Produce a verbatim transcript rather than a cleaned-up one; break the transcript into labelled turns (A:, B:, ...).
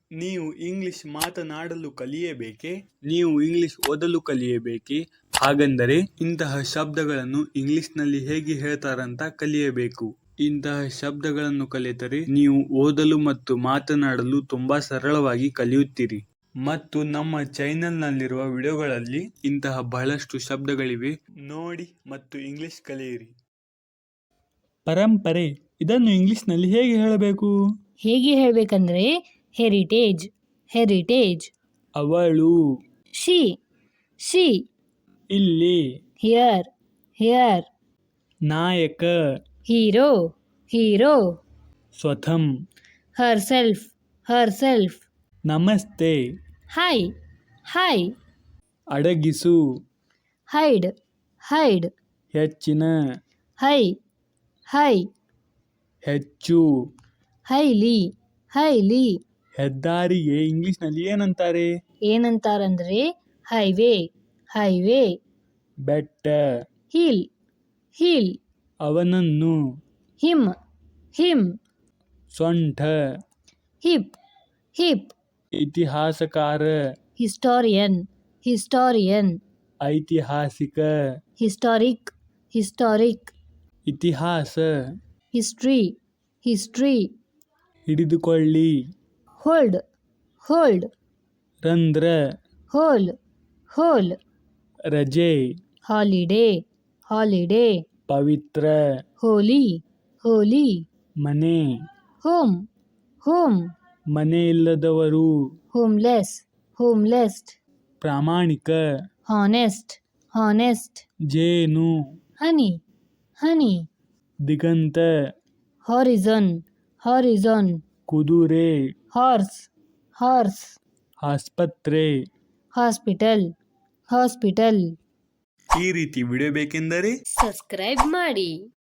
A: ನೀವು ಇಂಗ್ಲಿಷ್ ಮಾತನಾಡಲು ಕಲಿಯಬೇಕೇ? ನೀವು ಇಂಗ್ಲಿಷ್ ಓದಲು ಕಲಿಯಬೇಕೇ? ಹಾಗಂದರೆ ಇಂತಹ ಶಬ್ದಗಳನ್ನು ಇಂಗ್ಲಿಷ್ನಲ್ಲಿ ಹೇಗೆ ಹೇಳ್ತಾರಂತ ಕಲಿಯಬೇಕು. ಇಂತಹ ಶಬ್ದಗಳನ್ನು ಕಲಿತರೆ ನೀವು ಓದಲು ಮತ್ತು ಮಾತನಾಡಲು ತುಂಬಾ ಸರಳವಾಗಿ ಕಲಿಯುತ್ತೀರಿ. ಮತ್ತು ನಮ್ಮ ಚಾನೆಲ್ನಲ್ಲಿರುವ ವಿಡಿಯೋಗಳಲ್ಲಿ ಇಂತಹ ಬಹಳಷ್ಟು ಶಬ್ದಗಳಿವೆ, ನೋಡಿ ಮತ್ತು ಇಂಗ್ಲಿಷ್ ಕಲಿಯಿರಿ. ಪರಂಪರೆ, ಇದನ್ನು ಇಂಗ್ಲಿಷ್ನಲ್ಲಿ ಹೇಗೆ ಹೇಳಬೇಕು?
B: ಹೇಗೆ ಹೇಳಬೇಕಂದ್ರೆ ಹೆರಿಟೇಜ್ ಹೆರಿಟೇಜ್.
A: ಅವಳು,
B: ಶಿ ಶಿ.
A: ಇಲ್ಲಿ,
B: ಹಿಯರ್ ಹಿಯರ್.
A: ನಾಯಕ,
B: ಹೀರೋ ಹೀರೋ.
A: ಸ್ವತಂ,
B: ಹರ್ ಸೆಲ್ಫ್ ಹರ್ ಸೆಲ್ಫ್.
A: ನಮಸ್ತೆ,
B: ಹಾಯ್ ಹಾಯ್.
A: ಅಡಗಿಸು,
B: ಹೈಡ್ ಹೈಡ್.
A: ಹೆಚ್ಚಿನ,
B: ಹೈ ಹೈ.
A: ಹೆಚ್ಚು,
B: ಹೈಲಿ ಹೈಲಿ.
A: ಹೆದ್ದಾರಿಗೆ ಇಂಗ್ಲಿಷ್ನಲ್ಲಿ ಏನಂತಾರೆ?
B: ಏನಂತಾರಂದ್ರೆ ಹೈವೇ ಹೈವೇ.
A: ಬೆಟ್ಟ,
B: ಹಿಲ್ ಹಿಲ್.
A: ಅವನನ್ನು,
B: ಹಿಮ್ ಹಿಮ್.
A: ಸೊಂಟ,
B: ಹಿಪ್ ಹಿಪ್.
A: ಇತಿಹಾಸಕಾರ,
B: ಹಿಸ್ಟೋರಿಯನ್ ಹಿಸ್ಟೋರಿಯನ್.
A: ಐತಿಹಾಸಿಕ,
B: ಹಿಸ್ಟಾರಿಕ್ ಹಿಸ್ಟಾರಿಕ್.
A: ಇತಿಹಾಸ,
B: ಹಿಸ್ಟ್ರಿ ಹಿಸ್ಟ್ರಿ.
A: ಹಿಡಿದುಕೊಳ್ಳಿ,
B: ಹೋಲ್ಡ್ ಹೋಲ್ಡ್.
A: ರಂಧ್ರ,
B: ಹೋಲ್ ಹೋಲ್.
A: ರಜೆ,
B: ಹಾಲಿಡೇ ಹಾಲಿಡೇ.
A: ಪವಿತ್ರ,
B: ಹೋಲಿ ಹೋಲಿ.
A: ಮನೆ,
B: ಹೋಮ್ ಹೋಮ್.
A: ಮನೆ ಇಲ್ಲದವರು,
B: ಹೋಮ್ಲೆಸ್ ಹೋಮ್ಲೆಸ್.
A: ಪ್ರಾಮಾಣಿಕ,
B: ಹಾನೆಸ್ಟ್ ಹಾನೆಸ್ಟ್.
A: ಜೇನು,
B: ಹನಿ ಹನಿ.
A: ದಿಗಂತ,
B: ಹಾರಿಜನ್ ಹಾರಿಜನ್.
A: ಕುದುರೆ,
B: ಹಾರ್ಸ್ ಹಾರ್ಸ್.
A: ಆಸ್ಪತ್ರೆ.
B: Hospital hospital.
A: ಈ ರೀತಿ ವಿಡಿಯೋ ಬೇಕೆಂದರೆ
B: ಸಬ್ಸ್ಕ್ರೈಬ್ ಮಾಡಿ.